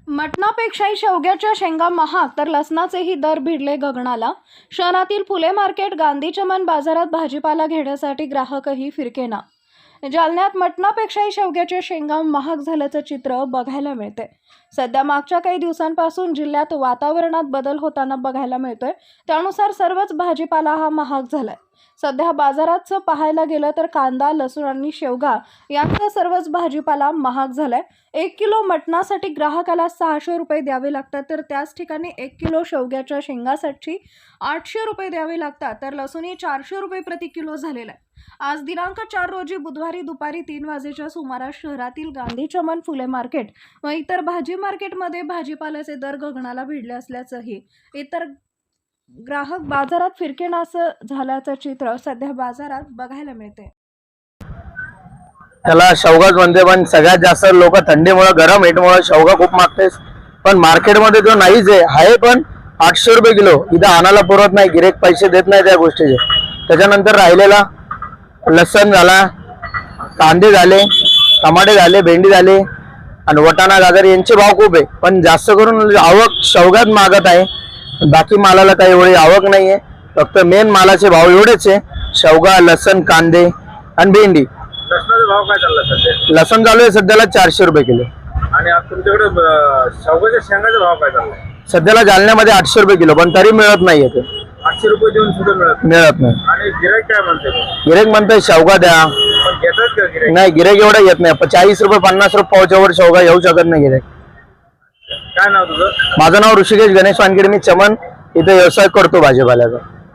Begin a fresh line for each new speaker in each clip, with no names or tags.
मटणापेक्षाही शेवग्याच्या शेंगा महाग तर लसणाचेही दर भिडले गगनाला। शहरातील फुले मार्केट, गांधी चमन बाजारात भाजीपाला घेण्यासाठी ग्राहकही फिरकेना। जालन्यात मटणापेक्षाही शेवग्याच्या शेंगा महाग झाल्याचं चित्र बघायला मिळते। सध्या मागच्या काही दिवसांपासून जिल्ह्यात वातावरणात बदल होताना बघायला मिळतोय। त्यानुसार सर्वच भाजीपाला हा महाग झालाय। सध्या बाजारात पाहायला गेलं तर कांदा, लसूण आणि शेवगा यांचा सर्वच भाजीपाला महाग झालाय। 1 किलो मटणासाठी ग्राहकाला 600 रुपये द्यावे लागतात, तर त्याच ठिकाणी 1 किलो शेवग्याच्या शेंगासाठी 800 रुपये द्यावे लागतात, तर लसूणही 400 रुपये प्रति किलो झालेला आहे। आज दिनांक 4 रोजी बुधवारी दुपारी 3 वाजेच्या सुमारास शहरातील गांधी चमन, फुले मार्केट व इतर भाजी मार्केटमध्ये भाजीपाल्याचे दर गगनाला भिडले असल्याचंही इतर ग्राहक बाजारात फिरकेनासं झाल्याचं चित्र सध्या बाजारात बघायला मिळते।
त्याला शेवगाच म्हणते, पण सगळ्यात जास्त लोक थंडीमुळे, गरम हेटमुळे शेवगा खूप मागतेस। पण मार्केटमध्ये जो नाहीच आहे पण 800 रुपये किलो इथं आणायला पुरत नाही, गिरेक पैसे देत नाही त्या गोष्टीचे। त्याच्यानंतर राहिलेला लसण झाला, कांदे झाले, टमाटे झाले, भेंडी झाले आणि वटाणा, गाजर यांचे भाव खूप आहे। पण जास्त करून आवक शेवगाच मागत आहे, बाकी मालाला काही एवढी आवक नाहीये। फक्त मेन मालाचे भाव एवढेच आहे, शेवगा, लसण, कांदे आणि भेंडी।
लसणाचा भाव काय चालला सध्या?
लसण चालू आहे सध्याला 400 रुपये किलो।
आणि आज तुमच्याकडे शेवगाच्या शेंगाचा भाव काय चाललाय?
सध्याला जालन्यामध्ये 800 रुपये किलो, पण तरी मिळत नाहीये ते।
800 रुपये देऊन सुद्धा मिळत
नाही।
आणि गिराईक काय म्हणते?
गिरेक म्हणतोय शेवगा द्या,
पण घेतात का गिराईक?
नाही, गिरेक एवढं येत नाही। 40 रुपये 50 रुपये पावच्यावर शेवगा येऊ शकत नाही गिरेक।
काय नाव तुझं?
माझं नाव ऋषिकेश गणेश वानखेडे, मी चमन इथे व्यवसाय करतो भाजीपाल्याचा।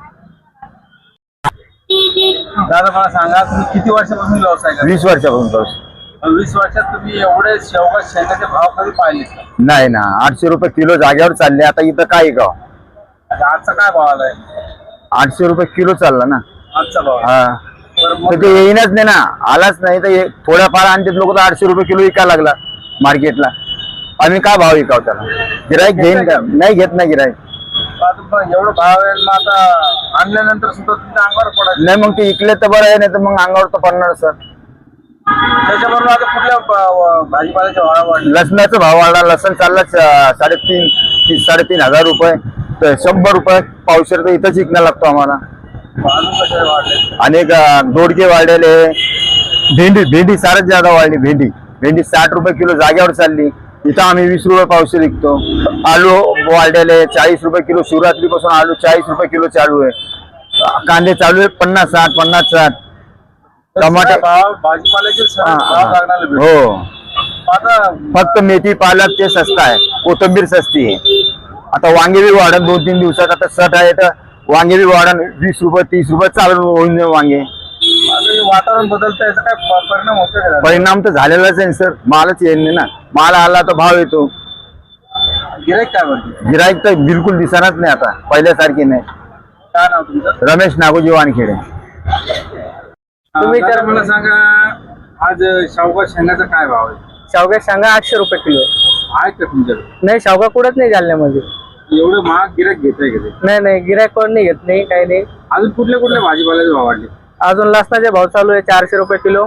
दादा मला सांगा, तुम्ही किती वर्षापासून व्यवसाय करता?
20 वर्षापासून।
20 वर्षात तुम्ही एवढे शेवगा शेंगाचे भाव कधी पाहिले का?
नाही ना, 800 रुपये किलो जागेवर चालले। आता इथं काय गाव
आजचा काय भाव आलाय?
800 रुपये किलो चालला ना
आजचा भाव?
हा, तर ते येईनच नाही ना, आलाच नाही तर थोड्याफार आणते लोक। तर 800 रुपये किलो विकायला लागला मार्केटला, आम्ही काय भाव विकाव त्याला? गिराईक घेईन का? नाही घेत नाही गिराईक।
एवढं भाव आहे मग आता आणल्यानंतर सुद्धा तुमच्या अंगावर पडायचं
नाही, मग ते इकले तर बरं आहे, नाही तर मग अंगावर तर पडणार सर।
त्याच्याबरोबर आता कुठल्या भाजीपाल्याचे भाव वाढले?
लसणाचा भाव वाढला। लसण चालला 3,500 रुपये, तर 100 रुपये पावशेर तर इथंच विकणं लागतो आम्हाला।
अजून कसे वाढले?
अनेक दोडके वाढलेले, भेंडी सारच ज्यादा वाढली। भेंडी 60 रुपये किलो जागेवर चालली, इथं आम्ही 20 रुपये पावशेर विकतो। आलू वाढलेले 40 रुपये किलो, शिवरात्रीपासून आलू 40 रुपये किलो चालू आहे। कांदे चालू आहे 50-60। टमाटे
भाजीपाल्याचे भाव लागणार
हो,
आता
फक्त मेथी, पालक ते स्वस्त आहे, कोथिंबीर सस्ती आहे। आता वांगे बी वाढन 2-3 दिवसात, आता सट आहे तर वांगे बी वाढन 20 रुपये 30 रुपये चालू होऊन वांगे।
वातावरण बदलतं, याचा काय परिणाम होतो का?
परिणाम तर झालेलाच आहे सर, मालच येत नाही ना। माल आला तर भाव येतो।
गिराईक काय म्हणते?
गिराईक तर बिलकुल दिसणारच नाही आता, पहिल्यासारखी नाही।
काय नाव तुमचं?
रमेश नागोजी वानखेडे।
तुम्ही तर मला सांगा, आज शेवगा शेंगाचा काय भाव आहे?
शेवगा शेंगा 800 रुपये किलो
आहे का तुमच्याकडे?
नाही, शेवगा कुठंच नाही जालन्यामध्ये।
एवढं महाग गिराईक घेताय का ते?
नाही, गिरायक कोण नाही घेत, नाही काही नाही।
अजून कुठल्या भाजीपाल्याचे भाव वाढले?
अजून लसणाचे भाव चालू आहे 400 रुपये किलो।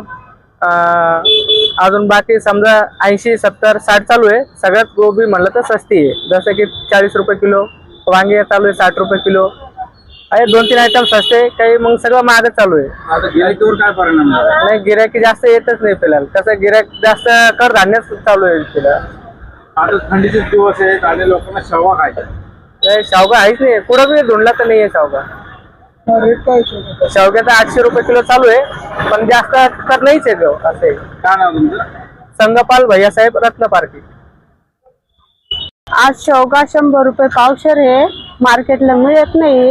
अजून बाकी समजा 80, 70, 60 चालू आहे। सगळ्यात गोबी म्हणलं तर सस्ती आहे, जसं की 40 रुपये किलो। वांगे चालू आहे 60 रुपये किलो। आहे 2-3 आयटम सस्ते, काही मग सगळं महागच चालू आहे।
आता गिराईकीवर काय परिणाम झाला?
नाही, गिरायकी जास्त येतच नाही फिलहाल। कसं गिरायक जास्त कडधान्यच चालू आहे फिलहाल।
आता थंडीचे दिवस आहेत आणि लोकांना शेवगा खायचा।
नाही, शेवगा आहेच नाही, कुठं बी धुंडला तर नाहीये शेवगा।
रेट काय?
शेवग्याचा 800 रुपये किलो चालू आहे, पण जास्त तर नाहीच आहे असे।
काय नाव तुमचं?
संगपाल भैयासाहेब, रत्न पार्टी।
आज शेवगा 100 रुपये पावशेर आहे, मार्केटला मिळत नाही।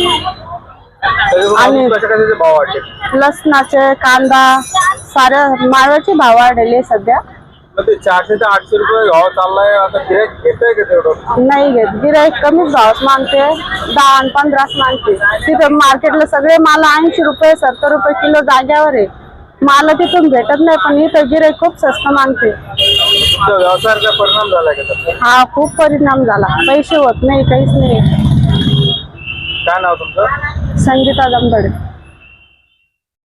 आणि
कशाचे भाव वाढले?
लसणाचे, कांदा, साऱ्या माळाचे भाव वाढले सध्या।
मग ते 400 ते 800 रुपये भाव चाललाय, आता गिराईक घेतंय का तेवढं?
नाही घेत, गिराईक कमीच भावात मागते, 10 आणि 15 मागते। तिथं मार्केटला सगळे माल 80 रुपये 70 रुपये किलो जाग्यावर आहे। माल तिथून भेटत नाही, पण इथं गिराईक खूप स्वस्त मागते।
व्यवसायावर काय परिणाम झालाय का त्याचा?
हा, खूप परिणाम झाला, पैसे होत नाही, काहीच नाही।
काय नाव तुमचं?
संगीता दंबडे।